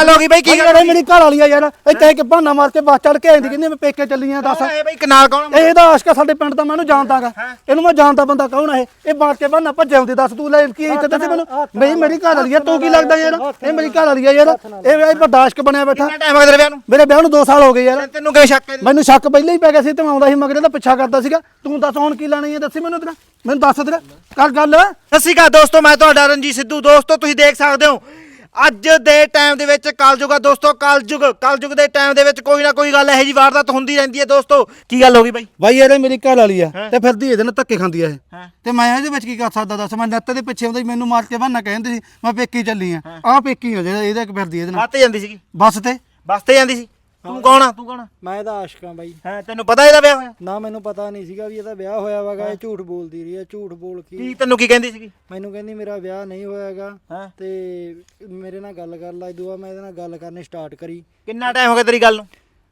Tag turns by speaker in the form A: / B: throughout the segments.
A: ਗੱਲ ਹੋ ਗਈ ਬਈ? ਕੀ ਗੱਲ
B: ਮੇਰੀ ਘਰ ਵਾਲੀ ਆ ਯਾਰ ਇੱਥੇ ਕਿ ਬਹਾਨਾ ਮਾਰ ਕੇ ਬੱਸ ਚੜ ਕੇ ਆਂਦੀ ਕਹਿੰਦੀ ਮੈਂ ਪੇਕੇ ਚੱਲੀ ਆ ਦੱਸ
A: ਇਹ ਬਈ ਕਨਾਲ ਕੌਣ?
B: ਇਹਦਾ ਆਸ਼ਕਾ ਸਾਡੇ ਪਿੰਡ ਦਾ ਮੈਨੂੰ ਜਾਣਦਾਗਾ ਇਹਨੂੰ ਮੈਂ ਜਾਣਦਾ ਬੰਦਾ ਕੌਣ ਹੈ ਇਹ ਮਾਰ ਕੇ ਬਹਾਨਾ ਭੱਜੇ ਆਉਂਦੀ ਦੱਸ ਤੂੰ ਲੈ ਕੀ ਇੱਥੇ ਦੱਸ ਮੈਨੂੰ ਬਈ ਮੇਰੀ ਘਰ ਵਾਲੀ ਆ ਤੂੰ ਕੀ ਲੱਗਦਾ ਯਾਰ ਇਹ ਮੇਰੀ ਘਰ ਵਾਲੀ ਆ ਯਾਰ ਇਹ ਵੱਡਾ ਆਸ਼ਕ ਬਣਿਆ ਬੈਠਾ
A: ਕਿੰਨਾ ਟਾਈਮ ਹੋ ਗਿਆ ਤੇਰੇ ਵਿਆਹ ਨੂੰ?
B: ਮੇਰੇ ਵਿਆਹ ਨੂੰ 2 ਸਾਲ ਹੋ ਗਏ ਯਾਰ
A: ਤੈਨੂੰ ਕਿਉਂ ਸ਼ੱਕ ਹੈ?
B: ਮੈਨੂੰ ਸ਼ੱਕ ਪਹਿਲਾਂ ਹੀ ਪੈ ਗਿਆ ਸੀ ਤੇ ਮੈਂ ਆਉਂਦਾ ਸੀ ਮਗਰੇ ਦਾ ਪਿੱਛਾ ਕਰਦਾ ਸੀਗਾ ਤੂੰ ਦੱਸ ਹੁਣ ਕੀ ਲੈਣੀ ਹੈ ਦੱਸੀ ਮੈਨੂੰ ਤੇਰਾ ਮੈਨੂੰ ਦੱਸ ਤੇਰਾ ਕਰ ਗੱਲ
A: ਸਤਿ ਸ਼੍ਰੀ ਅਕਾਲ ਦੋਸਤੋ, ਮੈਂ ਤੁਹਾਡਾ ਰਣਜੀਤ ਸਿੱਧੂ। ਦੋਸਤੋ ਤੁਸੀਂ ਦੇਖ ਸਕਦੇ ਹੋ ਅੱਜ ਦੇ ਟਾਈਮ ਦੇ ਵਿੱਚ ਕਲਯੁਗ ਆ ਦੋਸਤੋ। ਕਲਯੁਗ ਦੇ ਟਾਈਮ ਦੇ ਵਿੱਚ ਕੋਈ ਨਾ ਕੋਈ ਗੱਲ ਇਹੋ ਜੀ ਵਾਰਦਾਤ ਹੁੰਦੀ ਰਹਿੰਦੀ ਹੈ ਦੋਸਤੋ। ਕੀ ਗੱਲ ਹੋ ਗਈ ਬਾਈ
B: ਯਾਰ ਇਹ ਮੇਰੀ ਘਰ ਵਾਲੀ ਆ ਤੇ ਫਿਰਦੀ ਇਹਦੇ ਨਾਲ ਧੱਕੇ ਖਾਂਦੀ ਆ ਇਹ ਤੇ ਮੈਂ ਇਹਦੇ ਵਿੱਚ ਕੀ ਕਰ ਸਕਦਾ ਦੱਸ ਮੈਂ ਨੱਤ ਦੇ ਪਿੱਛੇ ਆਉਂਦਾ ਮੈਨੂੰ ਮਾਰ ਕੇ ਬਹਾਨਾ ਕਹਿੰਦੀ ਸੀ ਮੈਂ ਪੇਕੀ ਚੱਲੀ ਆ ਆਹ ਪੇਕੀ ਹੋ ਜਿਹੜਾ ਇਹਦੇ ਫਿਰਦੀ ਇਹਦੇ ਨਾਲ
A: ਬੱਸ ਤੇ ਜਾਂਦੀ ਸੀਗੀ?
B: ਬੱਸ ਤੇ
A: ਜਾਂਦੀ ਸੀ। ਤੂੰ ਕੌਣ ਆ?
C: ਮੈਂ ਇਹਦਾ ਆਸ਼ਕਾਂ ਬਾਈ।
A: ਹਾਂ ਤੈਨੂੰ ਪਤਾ ਇਹਦਾ ਵਿਆਹ ਹੋਇਆ?
C: ਨਾ ਮੈਨੂੰ ਪਤਾ ਨਹੀਂ ਸੀਗਾ ਵੀ ਇਹਦਾ ਵਿਆਹ ਹੋਇਆ ਵਾਗਾ। ਇਹ ਝੂਠ ਬੋਲਦੀ ਰਹੀ ਹੈ। ਝੂਠ ਬੋਲ ਕੇ
A: ਤੈਨੂੰ ਕੀ ਕਹਿੰਦੀ ਸੀਗੀ?
C: ਮੈਨੂੰ ਕਹਿੰਦੀ ਮੇਰਾ ਵਿਆਹ ਨਹੀਂ ਹੋਇਆਗਾ ਤੇ ਮੇਰੇ ਨਾਲ ਗੱਲ ਕਰ ਲੈ। ਦੁਆ ਮੈਂ ਇਹਦੇ ਨਾਲ ਗੱਲ ਕਰਨੀ ਸਟਾਰਟ ਕਰੀ।
A: ਕਿੰਨਾ ਟਾਈਮ ਹੋ ਗਿਆ ਤੇਰੀ ਗੱਲ ਨੂੰ?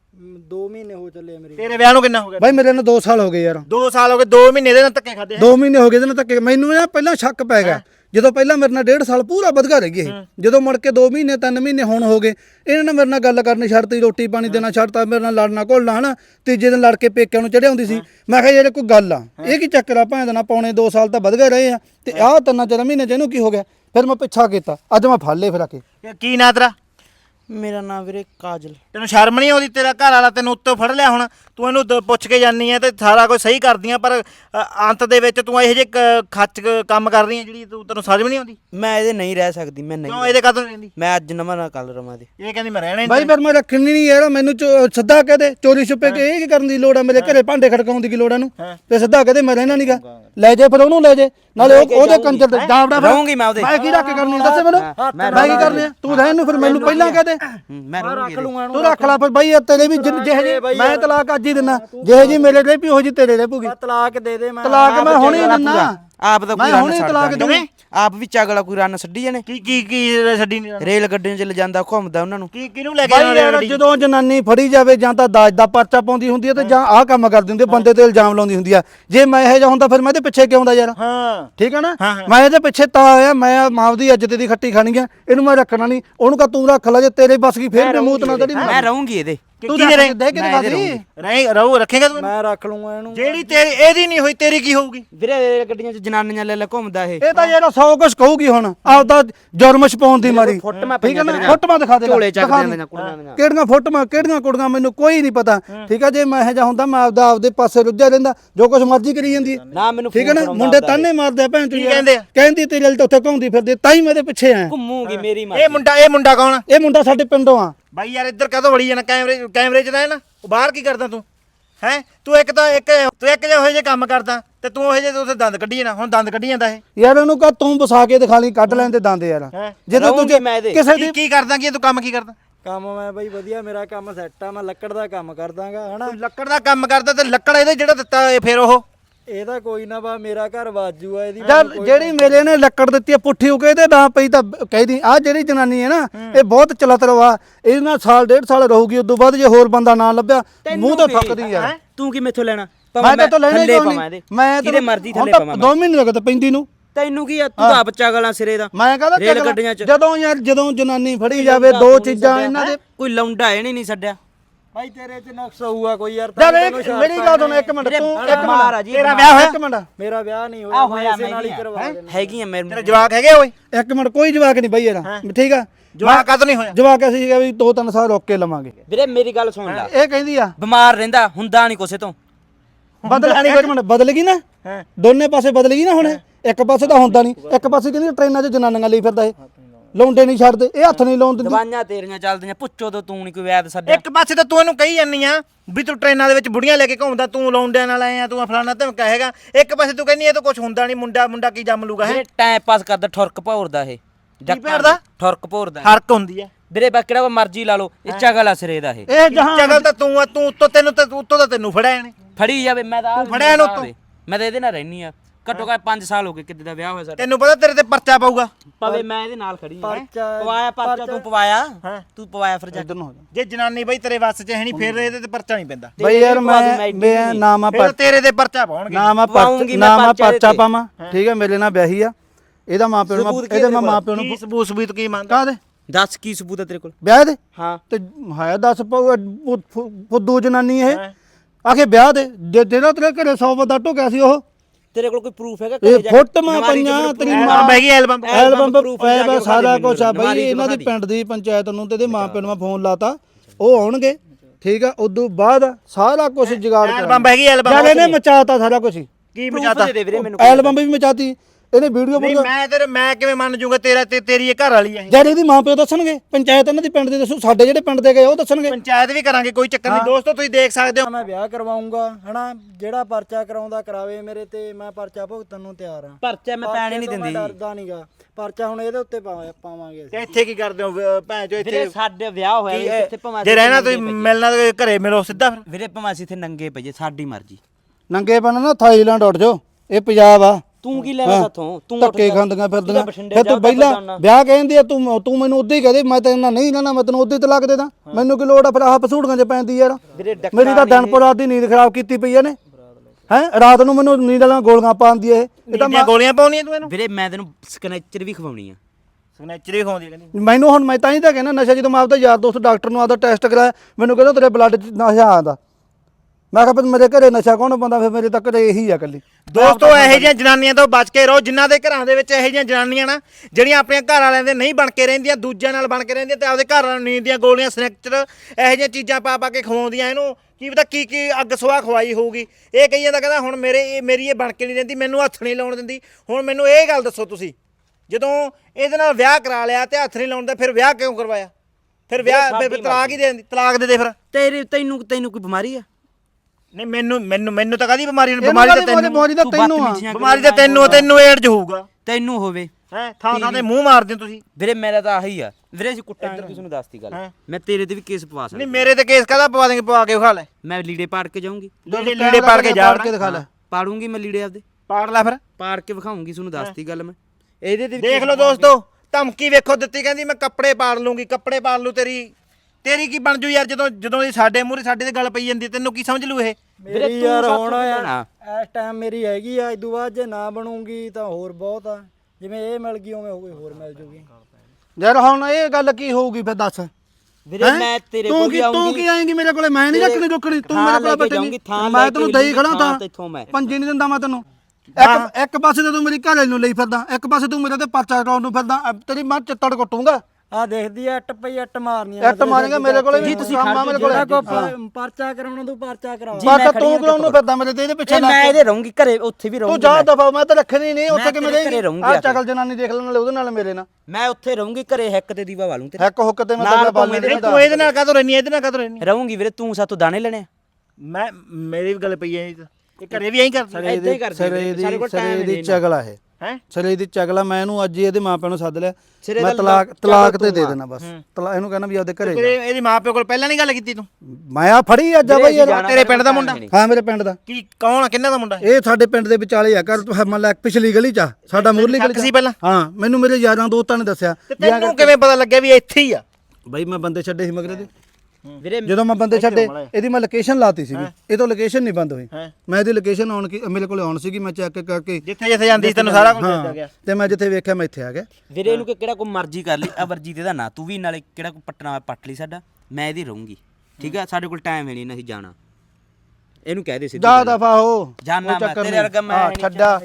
C: 2 ਮਹੀਨੇ ਹੋ ਚੱਲੇ ਮੇਰੇ।
A: ਤੇਰੇ ਵਿਆਹ ਨੂੰ ਕਿੰਨਾ ਹੋ ਗਿਆ?
B: ਬਾਈ ਮੇਰੇ ਨਾਲ 2 ਸਾਲ ਹੋ ਗਏ ਯਾਰ।
A: 2 ਸਾਲ ਹੋ ਗਏ। 2 ਮਹੀਨੇ ਦੇ ਨਾਲ ਧੱਕੇ ਖਾਦੇ?
B: 2 ਮਹੀਨੇ ਹੋ ਗਏ ਇਹਦੇ ਨਾਲ ਧੱਕੇ। ਮੈਨੂੰ ਨਾ ਪਹਿਲਾਂ ਸ਼ੱਕ ਪੈ ਗਿਆ ਜਦੋਂ ਪਹਿਲਾਂ ਮੇਰੇ ਨਾਲ 1.5 ਸਾਲ ਪੂਰਾ ਵਧਗਾ ਰਹੀ ਇਹ ਜਦੋਂ ਮੁੜ ਕੇ 2 ਮਹੀਨੇ 3 ਮਹੀਨੇ ਹੁਣ ਹੋ ਗਏ ਇਹਨਾਂ ਨੇ ਮੇਰੇ ਨਾਲ ਗੱਲ ਕਰਨੀ ਛੱਡਤੀ ਰੋਟੀ ਪਾਣੀ ਦੇਣਾ ਛੱਡਤਾ ਮੇਰੇ ਨਾਲ ਲੜਨਾ ਘੋਲਣਾ ਹਨਾ ਤੀਜੇ ਦਿਨ ਲੜ ਕੇ ਪੇਕਿਆਂ ਨੂੰ ਚੜ੍ਹਿਆ ਹੁੰਦੀ ਸੀ। ਮੈਂ ਕਿਹਾ ਯਾਰ ਕੋਈ ਗੱਲ ਆ ਇਹ ਕੀ ਚੱਕਰ ਆ ਭਾਂ ਨਾ ਪੌਣੇ 2 ਸਾਲ ਤਾਂ ਵਧਗਾ ਰਹੇ ਆ ਤੇ ਆਹ 3-4 ਮਹੀਨੇ ਚ ਇਹਨੂੰ ਕੀ ਹੋ ਗਿਆ ਫਿਰ ਮੈਂ ਪਿੱਛਾ ਕੀਤਾ ਅੱਜ ਮੈਂ ਫੜ ਲਏ ਫਿਰ ਆ ਕੇ।
A: ਕੀ ਨਾਂ ਤੇਰਾ?
C: ਮੇਰਾ ਨਾਮ ਵੀਰੇ ਕਾਜਲ।
A: ਤੈਨੂੰ ਸ਼ਰਮ ਨਹੀਂ ਆਉਂਦੀ? ਤੇਰਾ ਘਰ ਵਾਲਾ ਤੈਨੂੰ ਉੱਤੋਂ ਫੜ ਲਿਆ ਹੁਣ ਤੂੰ ਇਹਨੂੰ ਪੁੱਛ ਕੇ ਜਾਨੀ ਆ ਤੇ ਸਾਰਾ ਕੁਝ ਸਹੀ ਕਰਦੀਆਂ ਪਰ ਅੰਤ ਦੇ ਵਿੱਚ ਤੂੰ ਇਹੋ ਜਿਹੇ ਖੱਚ ਕੰਮ ਕਰ ਰਹੀ ਆ ਜਿਹੜੀ ਤੈਨੂੰ ਸਮਝ ਨਹੀਂ ਆਉਂਦੀ?
C: ਮੈਂ ਇਹਦੇ ਨਹੀਂ ਰਹਿ ਸਕਦੀ। ਮੈਂ ਨਹੀਂ।
A: ਕਿਉਂ ਇਹਦੇ ਕਦੋਂ ਰਹਿੰਦੀ?
C: ਮੈਂ ਅੱਜ ਨਵਾਂ ਨਾ ਕੱਲ ਰਵਾਂ ਦੇ।
A: ਇਹ ਕਹਿੰਦੀ ਮੈਂ ਰਹਿਣਾ ਹੀ
B: ਬਾਈ ਫਿਰ ਮੈਂ ਰੱਖਣੀ ਨਹੀਂ ਯਾਰ ਮੈਨੂੰ ਸਿੱਧਾ ਕਹਦੇ ਚੋਰੀ ਛੁਪੇ ਕੇ ਇਹ ਕੀ ਕਰਨ ਦੀ ਲੋੜ ਆ ਮੇਰੇ ਘਰੇ ਭਾਂਡੇ ਖੜਕਾਉਣ ਦੀ ਕੀ ਲੋੜ ਆ ਇਹਨੂੰ ਤੇ ਸਿੱਧਾ ਕਹਦੇ ਮੈਂ ਰਹਿਣਾ ਨਹੀਂਗਾ ਲੈ ਜੇ ਫਿਰ ਉਹਨੂੰ ਲੈ ਜੇ ਨਾਲੇ ਉਹਦੇ ਕੰਜਰ ਤੇ ਜਾਵੜਾ
C: ਰਹੂੰਗੀ ਮੈਂ ਉਹਦੇ।
B: ਮੈਂ ਕੀ ਰੱਖ ਕੇ ਕਰਨੀ ਦੱਸੇ ਮੈਨੂੰ ਮੈਂ ਕੀ ਕਰਨੀ ਤੂੰ ਰਹਿਣ ਨੂੰ ਫਿਰ ਮੈਨੂੰ ਪਹਿਲਾਂ ਕਹਦੇ
C: ਮੈਂ ਰੱਖ ਲੂੰਗਾ
B: ਤੂੰ ਰੱਖ ਲੈ ਫਿਰ ਬਾਈ ਤੇਰੇ ਵੀ ਜਿਹੇ ਜਿਹੇ ਮੈਂ ਤਲਾਕ ਅੱਜ ਹੀ ਦਿੰਦਾ ਜਿਹੇ ਜੀ ਮੇਰੇ ਰਹਿ ਪਈ ਉਹ ਜੀ ਤੇਰੇ ਰਹਿ ਪੂਗੀ।
C: ਤਲਾਕ ਦੇ ਦੇ। ਮੈਂ
B: ਤਲਾਕ ਮੈਂ ਹੁਣੇ ਹੀ ਦਿੰਦਾ
C: ਆਪ ਦਾ ਕੋਈ
B: ਹੁਣੇ ਤਲਾਕ ਦੂੰ
C: ਆਪ ਵੀ ਚਾਗਲਾ ਕੋਈ ਰਨ ਛੱਡੀ ਜਾਣੇ।
A: ਕੀ ਛੱਡੀ ਨਹੀਂ?
C: ਰੇਲ ਗੱਡੀਆਂ 'ਚ ਲਿਜਾਂਦਾ ਘੁੰਮਦਾ ਉਹਨਾਂ ਨੂੰ।
A: ਕਿਹਨੂੰ ਲੈ ਕੇ ਜਾਣਾ?
B: ਜਦੋਂ ਜਨਾਨੀ ਫੜੀ ਜਾਵੇ ਜਾਂ ਤਾਂ ਦਾਜ ਦਾ ਪਰਚਾ ਪਾਉਂਦੀ ਹੁੰਦੀ ਹੈ ਤੇ ਜਾਂ ਆਹ ਕੰਮ ਕਰਦੀ ਹੁੰਦੀ ਬੰਦੇ ਤੇ ਇਲਜ਼ਾਮ ਲਾਉਂਦੀ ਹੁੰਦੀ ਆ। ਜੇ ਮੈਂ ਇਹੋ ਜਿਹਾ ਹੁੰਦਾ ਫਿਰ ਮੈਂ ਇਹਦੇ ਪਿੱਛੇ ਕਿਉਂ ਆਉਂਦਾ ਯਾਰ?
A: ਹਾਂ
B: ਠੀਕ ਹੈ ਨਾ ਮੈਂ ਇਹਦੇ ਪਿੱਛੇ ਤਾਂ ਆਇਆ ਮੈਂ ਮਾਂ ਦੀ ਇੱਜ਼ਤ ਦੀ ਖੱਟੀ ਖਾਣੀ ਆ ਇਹਨੂੰ ਮੈਂ ਰੱਖਣਾ ਨਹੀਂ ਉਹਨੂੰ ਕਹ ਤੂੰ ਰੱਖ ਲੈ ਜੇ ਤੇਰੇ ਬਸ ਕੀ ਫੇਰ ਮੂਤ ਨਾ ਤੇਰੀ
C: ਮੈਂ ਰਹੂੰਗੀ ਇਹਦੇ।
B: ਤੂੰ ਦੇ ਕੇ ਦਿਖਾ ਦੇ
A: ਰਹੂ ਰੱਖੇਗਾ ਤੂੰ?
C: ਮੈਂ ਰੱਖ ਲੂੰਗਾ ਇਹਨੂੰ।
A: ਜਿਹੜੀ ਤੇਰੀ ਇਹਦੀ ਨਹੀਂ ਹੋਈ ਤੇਰੀ ਕੀ ਹੋਊਗੀ?
C: ਵੀਰੇ ਰੇਲ ਗੱਡੀਆਂ 'ਚ ਜਨਾਨੀਆਂ ਲੈ ਲੈ ਘੁੰਮਦਾ ਇਹ
B: ਤਾਂ ਯਾਰ 100 ਕੁਛ ਕਹੂਗੀ ਹੁਣ ਆਪਦਾ ਜੁਰਮ ਛਪਾਉਣ ਦੀ ਮਾਰੀ। ਠੀਕ ਹੈ ਨਾ ਫੋਟੋਆਂ ਦਿਖਾ ਦੇ
C: ਝੋਲੇ ਚੱਕ ਦਿੰਦੀਆਂ ਕੁੜੀਆਂ ਦੀਆਂ।
B: ਕਿਹੜੀਆਂ ਫੋਟੋਆਂ ਕਿਹੜੀਆਂ ਕੁੜੀਆਂ ਮੈਨੂੰ ਕੋਈ ਨਹੀਂ ਪਤਾ। ਠੀਕ ਹੈ ਜੇ ਮੈਂ ਇਹੋ ਜਿਹਾ ਹੁੰਦਾ ਮੈਂ ਆਪਦੇ ਪਾਸੇ ਰੁੱਝਿਆ ਰਹਿੰਦਾ ਜੋ ਕੁਛ ਮਰਜ਼ੀ ਕਰੀ ਜਾਂਦੀ
C: ਨਾ ਮੈਨੂੰ
B: ਠੀਕ ਹੈ ਨਾ ਮੁੰਡੇ ਤਾਨੇ ਮਾਰਦੇ ਆ ਭੈਣ ਚੋਂ
A: ਕਹਿੰਦੇ
B: ਕਹਿੰਦੀ ਤੇਰੇ ਲਈ ਤਾਂ ਉੱਥੇ ਘੁੰਮਦੀ ਫਿਰਦੀ ਤਾਂ ਹੀ ਮੈਂ ਇਹਦੇ ਪਿੱਛੇ ਆਇਆ।
C: ਘੁੰਮੂਗੀ ਮੇਰੀ ਮਾਂ।
A: ਇਹ ਮੁੰਡਾ ਕੌਣ ਆ?
B: ਇਹ ਮੁੰਡਾ ਸਾਡੇ ਪਿੰਡੋਂ ਆ।
A: ਬਾਈ ਯਾਰ ਇੱਧਰ ਕਦੋਂ ਵੜੀ ਜਾਣਾ? ਕੈਮਰੇ 'ਚ ਰਹਿ ਨਾ ਬਾਹਰ ਕੀ ਕਰਦਾ ਤੂੰ? ਹੈ ਤੂੰ ਇੱਕ ਜਿਹਾ ਹੋਏ ਜੇ ਕੰਮ ਕਰਦਾ ਤੇ ਤੂੰ ਉਹ ਜੇ ਉੱਥੇ ਦੰਦ ਕੱਢੀ ਜਾਣਾ। ਹੁਣ ਦੰਦ ਕੱਢੀ ਜਾਂਦਾ ਇਹ
B: ਯਾਰ ਇਹਨੂੰ ਕਹ ਤੂੰ ਵਸਾ ਕੇ ਦਿਖਾ ਲਈ ਕੱਢ ਲੈਣ ਤੇ ਦੰਦ ਯਾਰ ਜਦੋਂ ਤੂੰ ਕਿਸੇ ਦੀ
A: ਕੀ ਕਰਦਾ ਤੂੰ ਕੰਮ ਕੀ ਕਰਦਾ?
C: ਕੰਮ ਮੈਂ ਬਾਈ ਵਧੀਆ ਮੇਰਾ ਕੰਮ ਸੈੱਟ ਆ। ਮੈਂ ਲੱਕੜ ਦਾ ਕੰਮ ਕਰਦਾਗਾ ਹਨਾ।
A: ਲੱਕੜ ਦਾ ਕੰਮ ਕਰਦਾ ਤੇ ਲੱਕੜ ਇਹਦੇ ਜਿਹੜਾ ਦਿੱਤਾ ਫਿਰ ਉਹ
C: ਇਹਦਾ ਕੋਈ ਨਾ ਬਾ ਮੇਰਾ ਘਰ ਵਾਜੂ ਆ ਇਹਦੀ।
B: ਜਿਹੜੀ ਮੇਰੇ ਨੇ ਲੱਕੜ ਦਿੱਤੀ ਆ ਪੁੱਠੀ ਹੋ ਕੇ ਇਹਦੇ ਨਾ ਪਈ ਤਾਂ ਕਹਿਦੀ ਆ ਜਿਹੜੀ ਜਨਾਨੀ ਹੈ ਨਾ ਇਹ ਬਹੁਤ ਚਲਤਰੋ ਆ ਇਹਦੇ ਨਾਲ ਸਾਲ 1.5 ਸਾਲ ਰਹੂਗੀ ਉਦੋਂ ਬਾਅਦ ਜੇ ਹੋਰ ਬੰਦਾ ਨਾ ਲੱਭਿਆ ਮੂੰਹ ਤੇ ਫੱਕਦੀ ਯਾਰ।
C: ਤੂੰ ਕੀ ਮੈਥੋਂ ਲੈਣਾ?
B: ਮੈਂ ਤਾਂ ਲੈਣਾ ਹੀ ਨਹੀਂ ਮੈਂ
C: ਕਿਹਦੇ ਮਰਜ਼ੀ ਥੱਲੇ ਪਾਵਾਂ।
B: 2 ਮਹੀਨੇ ਲੱਗੇ ਤਾਂ ਪੈਂਦੀ ਨੂੰ
C: ਤੈਨੂੰ ਕੀ ਆ? ਤੂੰ ਤਾਂ ਬੱਚਾ ਗਾਲਾਂ ਸਿਰੇ ਦਾ।
B: ਮੈਂ ਕਹਿੰਦਾ
C: ਰੇਲ ਗੱਡੀਆਂ 'ਚ
B: ਜਦੋਂ ਜਨਾਨੀ ਫੜੀ ਜਾਵੇ 2 ਚੀਜ਼ਾਂ ਇਹਨਾਂ ਦੇ
C: ਕੋਈ ਲੌਂਡਾ ਇਹਨੇ ਨਹੀਂ ਛੱਡਿਆ। ਭਾਈ ਤੇਰੇ 'ਚ ਨਕਸ ਹੋਊਗਾ ਕੋਈ ਯਾਰ।
B: ਮੇਰੀ ਗੱਲ ਸੁਣ ਇੱਕ ਮਿੰਟ ਤੂੰ ਇੱਕ ਮਿੰਟ
A: ਤੇਰਾ ਵਿਆਹ ਹੋਇਆ?
B: ਇੱਕ ਮਿੰਟ
C: ਮੇਰਾ ਵਿਆਹ ਨਹੀਂ ਹੋਇਆ। ਮੈਂ ਇਸੇ ਨਾਲ ਹੀ ਕਰਵਾ ਦੇਣਾ। ਹੈਗੀ ਆ ਮੇਰੇ
A: ਤੇਰੇ ਜਵਾਕ ਹੈਗੇ ਓਏ?
B: ਇੱਕ ਮਿੰਟ ਕੋਈ ਜਵਾਕ ਨਹੀਂ ਬਈ ਇਹਦਾ ਠੀਕ ਆ
A: ਜਵਾਕ ਕਦੋਂ ਨਹੀਂ ਹੋਇਆ?
B: ਜਵਾਕ ਅਸੀਂ ਸੀਗਾ ਵੀ 2-3 ਸਾਲ ਰੁੱਕ ਕੇ ਲਵਾਂਗੇ।
C: ਵੀਰੇ ਮੇਰੀ ਗੱਲ ਸੁਣ ਲੈ।
B: ਇਹ ਕਹਿੰਦੀ ਆ
C: ਬਿਮਾਰ ਰਹਿੰਦਾ ਹੁੰਦਾ ਨਹੀਂ ਕਿਸੇ ਤੋਂ।
B: ਇੱਕ ਮਿੰਟ ਬਦਲ ਗਈ ਨਾ ਦੋਨੇ ਪਾਸੇ ਬਦਲ ਗਈ ਨਾ ਹੁਣ ਇੱਕ ਪਾਸੇ ਤਾਂ ਹੁੰਦਾ ਨਹੀਂ ਇੱਕ ਪਾਸੇ ਕਹਿੰਦੀ ਟ੍ਰੇਨਾਂ 'ਚ ਜਨਾਨੀਆਂ ਲਈ ਫਿਰਦਾ ਇਹ ਲਾਉਂਦੇ ਨਹੀਂ ਛੱਡਦੇ ਇਹ ਹੱਥ ਨਹੀਂ ਲਾਉਣ ਦਿੰਦੀ।
C: ਦਵਾਈਆਂ ਤੇਰੀਆਂ ਚੱਲਦੀਆਂ ਪੁੱਛੋ ਤੋਂ ਤੂੰ ਨਹੀਂ ਕੋਈ ਵੈਦ ਛੱਡਿਆ।
A: ਇੱਕ ਪਾਸੇ ਤਾਂ ਤੂੰ ਇਹਨੂੰ ਕਹੀ ਜਾਂਦੀ ਆ ਵੀ ਤੂੰ ਟ੍ਰੇਨਾਂ ਦੇ ਵਿੱਚ ਬੁੜੀਆਂ ਲੈ ਕੇ ਘੁੰਮਦਾ ਤੂੰ ਲਾਉਂਦਿਆਂ ਨਾਲ ਆਏ ਆ ਤੂੰ ਫਲਾਣਾ ਧਮਕਾ ਹੈਗਾ। ਇੱਕ ਪਾਸੇ ਤੂੰ ਕਹਿੰਦੀ ਇਹ ਤਾਂ ਕੁਝ ਹੁੰਦਾ ਨਹੀਂ ਮੁੰਡਾ ਕੀ ਜੰਮ ਲੂਗਾ ਹੈ।
C: ਟਾਈਮ ਪਾਸ ਕਰਦਾ ਠੁਰਕ ਭੌਰਦਾ ਇਹ
A: ਭੌਰਦਾ?
C: ਠੁਰਕ ਭੌਰਦਾ
A: ਫਰਕ ਹੁੰਦੀ ਆ
C: ਵੀਰੇ ਬਾ ਕਿਹੜਾ ਮਰਜ਼ੀ ਲਾ ਲਓ ਇਹ ਚਗਲ ਆ ਸਿਰੇ ਦਾ ਇਹ
A: ਚਗਲ ਤਾਂ ਤੂੰ ਆ ਤੂੰ ਉੱਤੋਂ ਉੱਤੋਂ ਤਾਂ ਤੈਨੂੰ ਫੜਿਆ ਇਹਨੇ
C: ਫੜੀ ਜਾਵੇ। ਮੈਂ ਤਾਂ
A: ਫੜਿਆ ਇਹਨੂੰ ਉੱਤੋਂ।
C: ਮੈਂ ਤਾਂ ਇਹਦੇ ਨਾਲ ਰਹਿਣੀ ਆ ਘੱਟੋ ਘੱਟ 5 ਸਾਲ ਹੋ ਗਏ ਕਿੱਦੇ ਦਾ ਵਿਆਹ ਹੋਇਆ ਸਾਡਾ।
A: ਤੈਨੂੰ ਪਤਾ ਤੇਰੇ ਤੇ ਪਰਚਾ ਪਊਗਾ
C: ਪਵੇ ਮੈਂ ਇਹਦੇ ਨਾਲ ਖੜੀ ਆ। ਪਵਾਇਆ ਪਰਚਾ ਤੂੰ ਪਵਾਇਆ ਤੂੰ ਪਵਾਇਆ ਫਿਰ
B: ਇੱਧਰ ਨੂੰ ਹੋ ਜਾ।
A: ਜੇ ਜਨਾਨੀ ਬਈ ਤੇਰੇ ਵੱਸ 'ਚ ਹੈ ਨਹੀਂ ਫਿਰ ਇਹਦੇ ਤੇ ਪਰਚਾ ਨਹੀਂ ਪੈਂਦਾ
B: ਬਈ ਯਾਰ ਮੈਂ ਨਾਮਾ
A: ਫਿਰ ਤੇਰੇ ਤੇ ਪਰਚਾ ਪਾਉਣਗੇ।
B: ਨਾਮਾ ਪਰਚਾ ਪਾਵਾਂ ਠੀਕ ਹੈ ਮੇਰੇ ਨਾਲ ਵਿਆਹੀ ਆ ਇਹਦਾ ਮਾਂ ਪਿਓ ਨੂੰ ਇਹਦੇ ਮਾਂ ਪਿਓ ਨੂੰ
A: ਸਬੂਤ ਕੀ ਮੰਗਦਾ?
D: ਦੱਸ ਕੀ ਸਬੂਤ ਹੈ ਤੇਰੇ ਕੋਲ?
B: ਵਿਆਹ ਦੇ
D: ਹਾਂ
B: ਤੇ ਹੈ ਦੱਸ ਫੁੱਦੂ ਜਨਾਨੀ ਇਹ ਆਖੇ ਵਿਆਹ ਦੇ ਜਿਹੜਾ ਤੇਰੇ ਘਰੇ 100 ਬੰਦਾ ਢੁਕਿਆ ਸੀ ਉਹ
D: ਤੇਰੇ ਕੋਲ ਕੋਈ ਪ੍ਰੂਫ ਹੈਗਾ?
B: ਇਹ ਫੋਟੋਆਂ ਪਈਆਂ ਤੇਰੀ ਮਾਂ
A: ਬਹਿ ਗਈ ਐਲਬਮ
B: ਐਲਬਮ ਸਾਰਾ ਕੁਝ ਆ ਬਈ ਇਹਨਾਂ ਦੀ ਪਿੰਡ ਦੀ ਪੰਚਾਇਤ ਨੂੰ ਤੇ ਇਹਦੇ ਮਾਂ ਪਿਓ ਨੂੰ ਮੈਂ ਫੋਨ ਲਾਤਾ ਉਹ ਆਉਣਗੇ ਠੀਕ ਆ ਉਦੋਂ ਬਾਅਦ ਸਾਰਾ ਕੁਝ ਜੁਗਾੜ
A: ਐਲਬਮ ਬਹਿ ਗਈ ਐਲਬਮ
B: ਯਾਰ ਇਹਨੇ ਮਚਾਤਾ ਸਾਰਾ ਕੁਝ
A: ਕੀ ਮਚਾਤਾ
D: ਦੇ ਦੇ ਵੀਰੇ ਮੈਨੂੰ।
B: ਐਲਬਮ ਵੀ ਮਚਾਤੀ ਇਹਨੇ ਵੀਡੀਓ
A: ਨਹੀਂ ਮੈਂ ਕਿਵੇਂ ਮੰਨ ਜੂਗਾ ਤੇਰਾ ਤੇ ਤੇਰੀ ਇਹ ਘਰ ਵਾਲੀ ਹੈ
B: ਜਦ ਇਹਦੀ ਮਾਂ ਪਿਓ ਦੱਸਣਗੇ ਪੰਚਾਇਤ ਇਹਨਾਂ ਦੀ ਪਿੰਡ ਦੀ ਦੱਸੂ ਸਾਡੇ ਜਿਹੜੇ ਪਿੰਡ ਦੇ ਗਏ ਉਹ ਦੱਸਣਗੇ
A: ਪੰਚਾਇਤ ਵੀ ਕਰਾਂਗੇ ਕੋਈ ਚੱਕਰ ਨਹੀਂ ਦੋਸਤੋ ਤੁਸੀਂ ਦੇਖ ਸਕਦੇ ਹੋ
C: ਮੈਂ ਵਿਆਹ ਕਰਵਾਉਂਗਾ ਹਨਾ ਜਿਹੜਾ ਪਰਚਾ ਕਰਾਉਂਦਾ ਕਰਾਵੇ ਮੇਰੇ ਤੇ ਮੈਂ ਪਰਚਾ ਭੁਗਤਣ ਨੂੰ ਤਿਆਰ ਹਾਂ
D: ਪਰਚਾ ਮੈਂ ਪੈਣ ਨਹੀਂ
C: ਮੈਂ
D: ਦਿੰਦੀ
C: ਡਰਦਾ ਨਹੀਂਗਾ ਪਰਚਾ ਹੁਣ ਇਹਦੇ ਉੱਤੇ ਪਾਵਾਂਗੇ
A: ਤੇ ਇੱਥੇ ਕੀ ਕਰਦੇ ਹੋ ਭੈਣ ਚੋ
D: ਵੀਰੇ
A: ਇੱਥੇ
D: ਸਾਡੇ ਵਿਆਹ ਹੋਇਆ ਵੀ ਇੱਥੇ ਭਵਾਂ
A: ਜੇ ਰਹਿਣਾ ਤੁਸੀਂ ਮਿਲਣਾ ਤੇ ਘਰੇ ਮਿਲੋ ਸਿੱਧਾ ਫਿਰ
D: ਵੀਰੇ ਭਵਾਂ ਅਸੀਂ ਇੱਥੇ ਨੰਗੇ ਪਈਏ ਸਾਡੀ ਮਰਜ਼ੀ।
B: ਨੰਗੇ ਬਣ ਨਾ ਥਾਈਲੈਂਡ ਉੱਡ ਜਾਓ ਇਹ ਪੰਜਾਬ ਆ
D: ਤੂੰ ਕੀ ਲੈਣਾ ਸਾਥੋਂ? ਤੂੰ
B: ਧੱਕੇ ਖਾਂਦੀਆਂ ਫਿਰਦੀਆਂ ਫਿਰ ਤੂੰ ਪਹਿਲਾਂ ਵਿਆਹ ਕਹਿੰਦੀ ਆ ਤੂੰ ਮੈਨੂੰ ਉਦੋਂ ਹੀ ਕਹਦੇ ਮੈਂ ਤੇਰੇ ਨਾਲ ਨਹੀਂ ਨਾ ਮੈਂ ਤੈਨੂੰ ਉਦੋਂ ਹੀ ਤਲਾਕ ਦੇ ਦਾਂ ਮੈਨੂੰ ਕੀ ਲੋੜ ਆ ਫਿਰ ਆਹ ਪਸੂੜੀਆਂ 'ਚ ਪੈਂਦੀ ਯਾਰ ਮੇਰੀ ਤਾਂ ਦਿਨ ਪਰ ਰਾਤ ਦੀ ਨੀਂਦ ਖਰਾਬ ਕੀਤੀ ਪਈ ਇਹਨੇ ਹੈ ਰਾਤ ਨੂੰ ਮੈਨੂੰ ਨੀਂਦ ਵਾਲੀਆਂ ਗੋਲੀਆਂ ਪਾਉਂਦੀ ਇਹ
A: ਤਾਂ ਗੋਲੀਆਂ ਪਾਉਣੀਆਂ ਤੂੰ ਇਹਨੂੰ
D: ਵੀਰੇ ਮੈਂ ਤੈਨੂੰ ਸਕਨੇਚਰ ਵੀ ਖਵਾਉਣੀ ਆ।
A: ਸਿਗਨੇਚਰ ਹੀ ਖਾਉਂਦੀ ਕਹਿੰਦੀ
B: ਮੈਨੂੰ ਹੁਣ ਮੈਂ ਤਾਂ ਹੀ ਤਾਂ ਕਹਿੰਦਾ ਨਸ਼ਾ ਜਦੋਂ ਮੈਂ ਆਪਦਾ ਯਾਰ ਦੋਸਤ ਡਾਕਟਰ ਨੂੰ ਆਪਦਾ ਟੈਸਟ ਕਰਾਇਆ ਮੈਨੂੰ ਕਹਿੰਦਾ ਤੇਰੇ ਬਲੱਡ 'ਚ ਨਸ਼ਾ ਆਉਂਦਾ ਮੈਂ ਕਿਹਾ ਫਿਰ ਮੇਰੇ ਘਰੇ ਨਸ਼ਾ ਕੌਣ ਪਾਉਂਦਾ ਫਿਰ ਮੇਰੇ ਤਾਂ ਘਰੇ ਇਹੀ ਆ ਇਕੱਲੀ
A: ਦੋਸਤੋ ਇਹੋ ਜਿਹੀਆਂ ਜਨਾਨੀਆਂ ਤੋਂ ਬਚ ਕੇ ਰਹੋ ਜਿਨ੍ਹਾਂ ਦੇ ਘਰਾਂ ਦੇ ਵਿੱਚ ਇਹੋ ਜਿਹੀਆਂ ਜਨਾਨੀਆਂ ਨਾ ਜਿਹੜੀਆਂ ਆਪਣੇ ਘਰ ਵਾਲਿਆਂ ਦੇ ਨਹੀਂ ਬਣ ਕੇ ਰਹਿੰਦੀਆਂ ਦੂਜਿਆਂ ਨਾਲ ਬਣ ਕੇ ਰਹਿੰਦੀਆਂ ਤੇ ਆਪਦੇ ਘਰ ਵਾਲਿਆਂ ਨੂੰ ਨੀਂਦ ਦੀਆਂ ਗੋਲੀਆਂ ਸਨੈਕਚਰ ਇਹੋ ਜਿਹੀਆਂ ਚੀਜ਼ਾਂ ਪਾ ਕੇ ਖਵਾਉਂਦੀਆਂ ਇਹਨੂੰ ਕੀ ਪਤਾ ਕੀ ਅੱਗ ਸੁਆਹ ਖਵਾਈ ਹੋਊਗੀ ਇਹ ਕਹੀ ਜਾਂਦਾ ਕਹਿੰਦਾ ਹੁਣ ਮੇਰੀ ਇਹ ਬਣ ਕੇ ਨਹੀਂ ਰਹਿੰਦੀ ਮੈਨੂੰ ਹੱਥ ਨਹੀਂ ਲਾਉਣ ਦਿੰਦੀ। ਹੁਣ ਮੈਨੂੰ ਇਹ ਗੱਲ ਦੱਸੋ ਤੁਸੀਂ ਜਦੋਂ ਇਹਦੇ ਨਾਲ ਵਿਆਹ ਕਰਾ ਲਿਆ ਤੇ ਹੱਥ ਨਹੀਂ ਲਾਉਣ ਦਾ ਫਿਰ ਵਿਆਹ ਕਿਉਂ ਕਰਵਾਇਆ? ਫਿਰ ਵਿਆਹ ਫਿਰ ਤਲਾਕ ਹੀ ਤਲਾਕ ਦੇ ਫਿਰ
D: ਤੈਨੂੰ ਕੋਈ ਬਿਮਾਰੀ ਆ?
A: ਨਹੀਂ ਮੈਨੂੰ ਤਾਂ ਕਾਹਦੀ ਬਿਮਾਰੀ ਬਿਮਾਰੀ ਤਾਂ ਤੈਨੂੰ
B: ਬਿਮਾਰੀ ਤਾਂ ਤੈਨੂੰ ਆ
A: ਬਿਮਾਰੀ ਤਾਂ ਤੈਨੂੰ ਏਡਜ ਹੋਊਗਾ
D: ਤੈਨੂੰ ਹੋਵੇ
A: ਹੈ ਥਾਂ ਤੇ ਮੂੰਹ ਮਾਰਦੇ ਹੋ ਤੁਸੀਂ।
D: ਵੀਰੇ ਮੇਰਾ ਤਾਂ ਆਹੀ ਆ ਵੀਰੇ ਅਸੀਂ ਕੁੱਟਾਂਗੇ ਕਿਸੇ ਨੂੰ ਦੱਸਤੀ ਗੱਲ ਮੈਂ ਤੇਰੇ ਤੇ ਵੀ ਕੇਸ ਪਵਾ ਸਕਦਾ।
A: ਨਹੀਂ ਮੇਰੇ ਤੇ ਕੇਸ ਕਾਹਦਾ ਪਵਾ ਦੇਂਗੇ ਪਵਾ ਕੇ ਵਿਖਾ ਲੈ
D: ਮੈਂ ਲੀੜੇ ਪਾੜ ਕੇ ਜਾਊਂਗੀ
A: ਲੀੜੇ ਪਾੜ ਕੇ ਜਾ
B: ਕੇ ਦਿਖਾ ਲੈ
D: ਪਾੜੂੰਗੀ ਮੈਂ ਲੀੜੇ ਆਪਦੇ
A: ਪਾੜ ਲੈ ਫਿਰ
D: ਪਾੜ ਕੇ ਵਿਖਾਉਂਗੀ ਤੁਹਾਨੂੰ ਦੱਸਤੀ ਗੱਲ ਮੈਂ ਇਹਦੇ ਤੇ
A: ਦੇਖ ਲਓ ਦੋਸਤੋ ਧਮਕੀ ਵੇਖੋ ਦਿੱਤੀ ਕਹਿੰਦੀ ਮੈਂ ਕੱਪੜੇ ਪਾੜ ਲੂੰਗੀ ਕੱਪੜੇ ਪਾੜ ਲੂ ਤੇਰੀ ਕੀ ਬਣ ਜੂ ਯਾਰ ਜਦੋਂ ਦੀ ਸਾਡੇ ਮੂਹਰੇ ਸਾਡੇ ਤੇ ਗੱਲ ਪਈ ਜਾਂਦੀ ਤੈਨੂੰ ਕੀ ਸਮਝ ਲੂ ਇਹ
C: ਮੇਰੀ ਯਾਰ ਹੁਣ ਇਸ ਟਾਈਮ ਮੇਰੀ ਹੈਗੀ ਆ ਇਦੋਂ ਬਾਅਦ ਜੇ ਨਾ ਬਣੂਗੀ ਤਾਂ ਹੋਰ ਬਹੁਤ ਆ ਜਿਵੇਂ ਇਹ ਮਿਲ ਗਈ ਉਵੇਂ ਹੋਰ ਮਿਲ ਜੂਗੀ।
B: ਯਾਰ ਹੁਣ ਇਹ ਗੱਲ ਕੀ ਹੋਊਗੀ ਫਿਰ ਦੱਸ
D: ਵੀਰੇ ਮੈਂ ਤੇਰੇ ਕੋਲ ਵੀ ਆਉਂਗੀ
B: ਤੂੰ ਕੀ ਆਏਂਗੀ ਮੇਰੇ ਕੋਲੇ ਮੈਂ ਨਹੀਂ ਰੱਖਣੀ ਰੁਕਣੀ ਤੂੰ ਮੇਰੇ ਕੋਲ ਬੈਠੇਂਗੀ ਮੈਂ ਤੈਨੂੰ ਦਈ ਖੜਾ ਤਾਂ ਪੰਜੀ ਨਹੀਂ ਦਿੰਦਾ ਮੈਂ ਤੈਨੂੰ ਇੱਕ ਪਾਸੇ ਤੇ ਤੂੰ ਮੇਰੀ ਘਰੇ ਨੂੰ ਲਈ ਫਿਰਦਾ ਇੱਕ ਪਾਸੇ ਤੂੰ ਮੇਰੇ ਤੇ ਪਰਚਾ ਕਰਾਉਣ ਨੂੰ ਫਿਰਦਾ ਤੇਰੀ ਮੈਂ ਚਿੱਤੜ ਕੁੱਟੂੰਗਾ
C: ਆ ਦੇਖਦੀ ਐ ਇੱਟ ਮਾਰਨੀ
B: ਇੱਟ ਮਾਰੇਗਾ ਮੇਰੇ ਕੋਲੇ ਵੀ ਤੁਸੀਂ ਕੰਮ ਆ ਮੇਰੇ ਕੋਲੇ
C: ਪਰਚਾ ਕਰਾਉਣਾ ਤੂੰ ਪਰਚਾ ਕਰਾ
B: ਮੈਂ ਤੂੰ ਕਰਾਉਣ ਨੂੰ ਫਿਰਦਾ ਮੇਰੇ ਤੇ ਇਹਦੇ ਪਿੱਛੇ
D: ਮੈਂ ਇਹਦੇ ਰਹੂੰਗੀ ਘਰੇ ਉੱਥੇ ਵੀ ਰਹੂੰਗੀ
B: ਤੂੰ ਜਾ ਦਫਾ ਮੈਂ ਤਾਂ ਰੱਖਣੀ ਨਹੀਂ ਉੱਥੇ ਕਿਵੇਂ
D: ਘਰੇ ਰਹੂੰਗੀ
B: ਆ ਚਕਲ ਜਨਾਨੀ ਦੇਖ ਲੈਣ ਵਾਲੇ ਉਹਦੇ ਨਾਲ ਮੇਰੇ ਨਾਲ
D: ਮੈਂ ਉੱਥੇ ਰਹੂੰਗੀ ਘਰੇ ਹੈਕ ਤੇ ਦੀਵਾ ਵਾਲੂੰ ਤੇ
B: ਇੱਕ ਹੁੱਕ ਤੇ ਮੈਂ ਤੇਰੇ ਬਾਲੇ ਦੇ
A: ਤੂੰ ਇਹਦੇ ਨਾਲ ਕਾਹਤੋਂ ਰਹਿਨੀ ਇਹਦੇ ਨਾਲ ਕਾਹਤੋਂ ਰਹਿਨੀ
D: ਰਹੂੰਗੀ ਵੀਰੇ ਤੂੰ ਸਾਤੋਂ ਦਾਣੇ ਲੈਣੇ
A: ਮੇਰੀ ਵੀ ਗੱਲ ਪਈ ਐ ਇਹ ਘਰੇ ਵੀ ਐਂ ਕਰਦੀ
D: ਏਦਾਂ ਹੀ ਕਰਦੇ ਸਾਡੇ ਕੋਲ ਟਾਈਮ
B: ਦੀ ਚਗਲਾ ਹੈ
A: ਹੈ
B: ਸਰੇ ਦੀ ਚਗਲਾ ਮੈਂ ਇਹਨੂੰ ਅੱਜ ਹੀ ਇਹਦੇ ਮਾਪਿਆਂ ਨੂੰ ਸੱਦ ਲਿਆ ਮੈਂ ਤਲਾਕ ਤੇ ਦੇ ਦੇਣਾ ਬਸ ਇਹਨੂੰ ਕਹਿਣਾ ਵੀ ਆਪਦੇ ਘਰੇ
A: ਇਹਦੇ ਮਾਪਿਓ ਕੋਲ ਪਹਿਲਾਂ ਨਹੀਂ ਗੱਲ ਕੀਤੀ ਤੂੰ
B: ਮੈਂ ਆ ਫੜੀ ਅੱਜ ਆ ਬਈ ਯਾਰ
A: ਤੇਰੇ ਪਿੰਡ ਦਾ ਮੁੰਡਾ
B: ਹਾਂ ਮੇਰੇ ਪਿੰਡ ਦਾ
A: ਕੀ ਕੌਣ ਆ ਕਿੰਨਾ ਦਾ ਮੁੰਡਾ
B: ਇਹ ਸਾਡੇ ਪਿੰਡ ਦੇ ਵਿਚਾਲੇ ਆ ਕਰ ਮੰਨ ਲੈ ਪਿਛਲੀ ਗਲੀ ਚ ਸਾਡਾ ਮੂਰਲੀ ਗਲੀ
A: ਸੀ ਪਹਿਲਾਂ
B: ਹਾਂ ਮੈਨੂੰ ਮੇਰੇ ਯਾਰਾਂ ਦੋਸਤਾਂ ਨੇ ਦੱਸਿਆ
A: ਤੈਨੂੰ ਕਿਵੇਂ ਪਤਾ ਲੱਗਿਆ ਵੀ ਇੱਥੇ ਹੀ ਆ
B: ਬਈ ਮੈਂ ਬੰਦੇ ਛੱਡੇ ਸੀ ਮਗਰੇ ਦੇ
D: ਵੀਰੇ
B: ਜਦੋਂ ਮੈਂ ਬੰਦੇ ਛੱਡੇ ਇਹਦੀ ਮੈਂ ਲੋਕੇਸ਼ਨ ਲਾਤੀ ਸੀਗੀ ਇਹ ਤੋਂ ਲੋਕੇਸ਼ਨ ਨਹੀਂ ਬੰਦ ਹੋਈ ਮੈਂ ਇਹਦੀ ਲੋਕੇਸ਼ਨ ਆਉਣ ਕੀ ਮੇਰੇ ਕੋਲੇ ਆਉਣ ਸੀਗੀ ਮੈਂ ਚੈੱਕ ਕਰਕੇ
A: ਜਿੱਥੇ ਜਾਂਦੀ ਸੀ ਤੈਨੂੰ ਸਾਰਾ ਕੁਝ ਦਿੱਤਾ ਗਿਆ
B: ਤੇ ਮੈਂ ਜਿੱਥੇ ਵੇਖਿਆ ਮੈਂ ਇੱਥੇ ਆ ਗਿਆ
D: ਵੀਰੇ ਇਹਨੂੰ ਕਿਹੜਾ ਕੋਈ ਮਰਜ਼ੀ ਕਰ ਲਈ ਅਵਰਜੀਤ ਦਾ ਨਾ ਤੂੰ ਵੀ ਨਾਲੇ ਕਿਹੜਾ ਕੋਈ ਪੱਟਣਾ ਪੱਟ ਲਈ ਸਾਡਾ ਮੈਂ ਇਹਦੀ ਰਹੂੰਗੀ ਠੀਕ ਆ ਸਾਡੇ ਕੋਲ ਟਾਈਮ ਹੈ ਨਹੀਂ ਅਸੀਂ ਜਾਣਾ ਇਹਨੂੰ ਕਹਿ ਦੇ ਸਿੱਧੀ
B: ਜਾ ਦਫਾ ਹੋ
D: ਜਾਨਾ ਮੈਂ ਤੇਰੇ ਵਰਗਾ ਮੈਂ
B: ਛੱਡਾ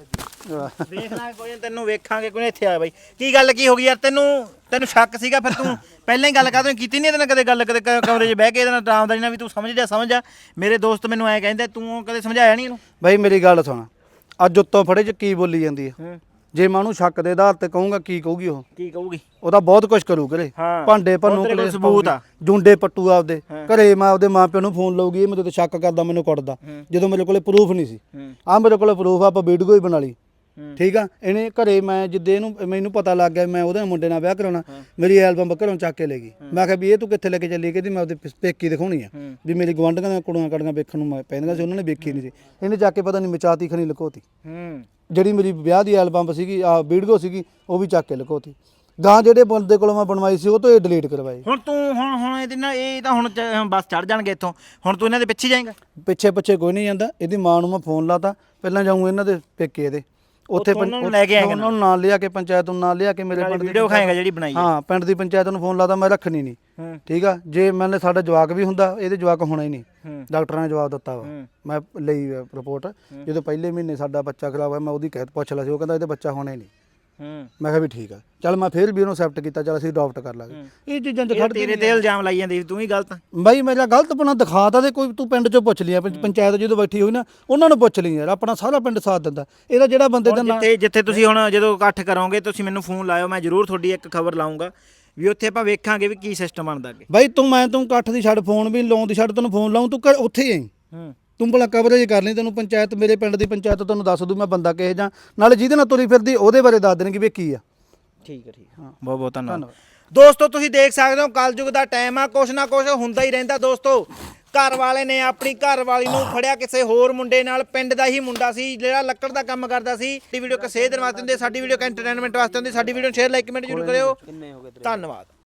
A: ਵੇਖਣਾ ਕੋਈ ਤੈਨੂੰ ਵੇਖਾਂਗੇ ਕੋਈ ਇੱਥੇ ਆ ਬਾਈ ਕੀ ਗੱਲ ਕੀ ਹੋ ਗਈ ਯਾਰ ਤੈਨੂੰ ਸ਼ੱਕ ਸੀਗਾ ਫਿਰ ਤੂੰ ਪਹਿਲਾਂ ਹੀ ਗੱਲ ਕਾਹਤੋਂ ਕੀਤੀ ਨਹੀਂ ਇਹਦੇ ਨਾਲ ਕਦੇ ਗੱਲ ਕਦੇ ਕਮਰੇ 'ਚ ਬਹਿ ਕੇ ਇਹਦੇ ਨਾਲ ਆਰਾਮਦਾਰੀ ਨਾਲ ਵੀ ਤੂੰ ਸਮਝ ਜਾ ਮੇਰੇ ਦੋਸਤ ਮੈਨੂੰ ਐਂ ਕਹਿੰਦੇ ਤੂੰ ਕਦੇ ਸਮਝਾਇਆ ਨਹੀਂ ਇਹਨੂੰ
B: ਬਾਈ ਮੇਰੀ ਗੱਲ ਸੁਣ ਅੱਜ ਉੱਤੋਂ ਫੜੇ 'ਚ ਕੀ ਬੋਲੀ ਜਾਂਦੀ ਹੈ ਜੇ ਮੈਂ ਉਹਨੂੰ ਸ਼ੱਕ ਦੇ ਆਧਾਰ ਤੇ ਕਹੂੰਗਾ ਕੀ ਕਹੂਗੀ ਉਹ
A: ਕੀ ਕਹੂਗੀ
B: ਉਹਦਾ ਬਹੁਤ ਕੁਝ ਕਰੂ ਘਰੇ ਭਾਂਡੇ ਭੰਨੂ ਕਲੇ
A: ਸਬੂਤ ਆ
B: ਜੁੰਡੇ ਪੱਟੂ ਆਪਦੇ ਘਰੇ ਮੈਂ ਆਪਦੇ ਮਾਪਿਆਂ ਨੂੰ ਫੋਨ ਲਾਉਗੀ ਇਹ ਮੇਰੇ ਤੇ ਸ਼ੱਕ ਕਰਦਾ ਮੈਨੂੰ ਕੁੱਟਦਾ ਜਦੋਂ ਮੇਰੇ ਕੋਲੇ ਪ੍ਰੂਫ ਨਹੀਂ ਸੀ ਆ ਮੇਰੇ ਕੋਲੇ ਪ੍ਰੂਫ ਆਪਾਂ ਵੀਡੀਓ ਹੀ ਬਣਾ ਲਈ ਠੀਕ ਆ ਇਹਨੇ ਘਰੇ ਮੈਂ ਜਿੱਦੇ ਇਹਨੂੰ ਮੈਨੂੰ ਪਤਾ ਲੱਗ ਗਿਆ ਮੈਂ ਉਹਦੇ ਮੁੰਡੇ ਨਾਲ ਵਿਆਹ ਕਰਾਉਣਾ ਮੇਰੀ ਐਲਬਮ ਘਰੋਂ ਚੱਕ ਕੇ ਲੈ ਗਈ ਮੈਂ ਕਿਹਾ ਵੀ ਇਹ ਤੂੰ ਕਿੱਥੇ ਲੈ ਕੇ ਚੱਲੀ ਕਹਿੰਦੀ ਮੈਂ ਉਹਦੇ ਪੇਕੀ ਦਿਖਾਉਣੀ ਆ ਵੀ ਮੇਰੀ ਗਵਾਂਢੀਆਂ ਦੀਆਂ ਕੁੜੀਆਂ ਕੜੀਆਂ ਵੇਖਣ ਨੂੰ ਪੈਂਦੀਆਂ ਸੀ ਉਹਨਾਂ ਨੇ ਵੇਖੀ ਨਹੀਂ ਸੀ ਇਹਨੇ ਚੱਕ ਕੇ ਪਤਾ ਨਹੀਂ ਮਚਾਤੀ ਖਣੀ ਲੁਕੋਤੀ ਜਿਹੜੀ ਮੇਰੀ ਵਿਆਹ ਦੀ ਐਲਬਮ ਸੀਗੀ ਆ ਵੀਡੀਓ ਸੀਗੀ ਉਹ ਵੀ ਚੱਕ ਕੇ ਲੁਕੋਤੀ ਗਾਂ ਜਿਹੜੇ ਬੰਦੇ ਕੋਲੋਂ ਮੈਂ ਬਣਵਾਈ ਸੀ ਉਹ ਤੋਂ ਇਹ ਡਿਲੀਟ ਕਰਵਾਈ
A: ਹੁਣ ਤੂੰ ਹੁਣ ਇਹਦੇ ਨਾਲ ਇਹ ਤਾਂ ਹੁਣ ਬਸ ਚੜ ਜਾਣਗੇ ਇੱਥੋਂ ਹੁਣ ਤੂੰ ਇਹਨਾਂ ਦੇ ਪਿੱਛੇ ਜਾਏਂਗਾ
B: ਪਿੱਛੇ ਕੋਈ ਨਹੀਂ ਜਾਂਦਾ ਇਹਦੀ ਮਾਂ ਨੂੰ ਮੈਂ ਫੋਨ ਲਾਤਾ ਪਹਿਲਾਂ ਜਾਊਂ ਇਹਨਾਂ ਦੇ ਪੇਕੇ ਇਹਦੇ ਉੱਥੇ
A: ਉਹਨਾਂ ਨੂੰ ਲੈ ਕੇ ਆਏਗਾ
B: ਉਹਨਾਂ ਨੂੰ ਨਾਲ ਲਿਆ ਕੇ ਪੰਚਾਇਤ ਨੂੰ ਨਾਲ ਲਿਆ ਕੇ ਮੇਰੇ ਪਿੰਡ ਦੀ
A: ਵੀਡੀਓ ਖਾਏਗਾ ਜਿਹੜੀ ਬਣਾਈ ਹੈ।
B: ਹਾਂ ਪਿੰਡ ਦੀ ਪੰਚਾਇਤ ਨੂੰ ਫੋਨ ਲਾਦਾ ਮੈਂ ਰੱਖਣੀ ਨਹੀਂ ਠੀਕ ਆ ਜੇ ਮੈਨੇ ਸਾਡਾ ਜਵਾਕ ਵੀ ਹੁੰਦਾ ਇਹਦੇ ਜਵਾਕ ਹੋਣਾ ਹੀ ਨਹੀਂ ਡਾਕਟਰਾਂ ਨੇ ਜਵਾਬ ਦਿੱਤਾ ਵਾ ਮੈਂ ਲਈ ਰਿਪੋਰਟ ਜਦੋਂ ਪਹਿਲੇ ਮਹੀਨੇ ਸਾਡਾ ਬੱਚਾ ਖਰਾਬ ਹੋਇਆ ਮੈਂ ਉਹਦੀ ਕਹਿ ਪੁੱਛ ਲਿਆ ਸੀ ਉਹ ਕਹਿੰਦਾ ਇਹਦੇ ਬੱਚਾ ਹੋਣਾ ਹੀ ਨਹੀਂ ਮੈਂ ਕਿਹਾ ਵੀ ਠੀਕ ਆ ਚੱਲ ਮੈਂ ਫੇਰ ਵੀ ਉਹਨੂੰ ਐਕਸੈਪਟ ਕੀਤਾ ਚੱਲ ਅਸੀਂ ਅਡਾਪਟ ਕਰ ਲਾਂਗੇ ਇਹ ਚੀਜ਼ਾਂ 'ਚ ਖੜ
A: ਤੇਰੇ ਤੇ ਇਲਜ਼ਾਮ ਲਾਈ ਜਾਂਦੇ ਤੂੰ ਹੀ ਗਲਤ
B: ਬਾਈ ਮੇਰਾ ਗਲਤਪਣਾ ਦਿਖਾ ਤਾਂ ਦੇ ਕੋਈ ਤੂੰ ਪਿੰਡ 'ਚੋਂ ਪੁੱਛ ਲਿਆ ਪੰਚਾਇਤ ਜਦੋਂ ਬੈਠੀ ਹੋਈ ਨਾ ਉਹਨਾਂ ਨੂੰ ਪੁੱਛ ਲਈ ਯਾਰ ਆਪਣਾ ਸਾਰਾ ਪਿੰਡ ਸਾਥ ਦਿੰਦਾ ਇਹਦਾ ਜਿਹੜਾ ਬੰਦੇ ਦਾ ਨਾਂ
A: ਜਿੱਥੇ ਤੁਸੀਂ ਹੁਣ ਜਦੋਂ ਇਕੱਠ ਕਰੋਗੇ ਤੁਸੀਂ ਮੈਨੂੰ ਫੋਨ ਲਾਇਓ ਮੈਂ ਜ਼ਰੂਰ ਤੁਹਾਡੀ ਇੱਕ ਖਬਰ ਲਾਉਂਗਾ ਵੀ ਉੱਥੇ ਆਪਾਂ ਵੇਖਾਂਗੇ ਵੀ ਕੀ ਸਿਸਟਮ ਬਣਦਾ ਅੱਗੇ
B: ਬਾਈ ਤੂੰ ਇਕੱਠ ਦੀ ਛੱਡ ਫੋਨ ਵੀ ਲਾਉਣ ਦੀ ਛੱਡ ਤੈਨੂੰ ਫੋਨ ਲਾਉਂ ਤੂੰ ਉੱਥੇ ਹੀ ਆਈ ਤੂੰ ਭਲਾ ਕਵਰੇਜ ਕਰ ਲਈ ਤੈਨੂੰ ਪੰਚਾਇਤ ਮੇਰੇ ਪਿੰਡ ਦੀ ਪੰਚਾਇਤ ਤੈਨੂੰ ਦੱਸ ਦੂ ਮੈਂ ਬੰਦਾ ਕਿਹੇ ਜਾਂ ਨਾਲੇ ਜਿਹਦੇ ਨਾਲ ਤੁਰੀ ਫਿਰਦੀ ਉਹਦੇ ਬਾਰੇ ਦੱਸ ਦੇਣਗੇ ਵੀ ਕੀ ਆ
A: ਠੀਕ ਹੈ ਬਹੁਤ ਬਹੁਤ ਧੰਨਵਾਦ ਦੋਸਤੋ ਤੁਸੀਂ ਦੇਖ ਸਕਦੇ ਹੋ ਕਲਯੁਗ ਦਾ ਟਾਈਮ ਆ ਕੁਛ ਨਾ ਕੁਛ ਹੁੰਦਾ ਹੀ ਰਹਿੰਦਾ ਦੋਸਤੋ ਘਰ ਵਾਲੇ ਨੇ ਆਪਣੀ ਘਰ ਵਾਲੀ ਨੂੰ ਫੜਿਆ ਕਿਸੇ ਹੋਰ ਮੁੰਡੇ ਨਾਲ ਪਿੰਡ ਦਾ ਹੀ ਮੁੰਡਾ ਸੀ ਜਿਹੜਾ ਲੱਕੜ ਦਾ ਕੰਮ ਕਰਦਾ ਸੀ ਸਾਡੀ ਵੀਡੀਓ ਕਿਸੇ ਦੇਣ ਵਾਸਤੇ ਹੁੰਦੀ ਸਾਡੀ ਵੀਡੀਓ ਐਂਟਰਟੇਨਮੈਂਟ ਵਾਸਤੇ ਹੁੰਦੀ ਸਾਡੀ ਵੀਡੀਓ ਸ਼ੇਅਰ ਲਾਈਕ ਕਮੈਂਟ ਜ਼ਰੂਰ ਕਰਿਓ ਧੰਨਵਾਦ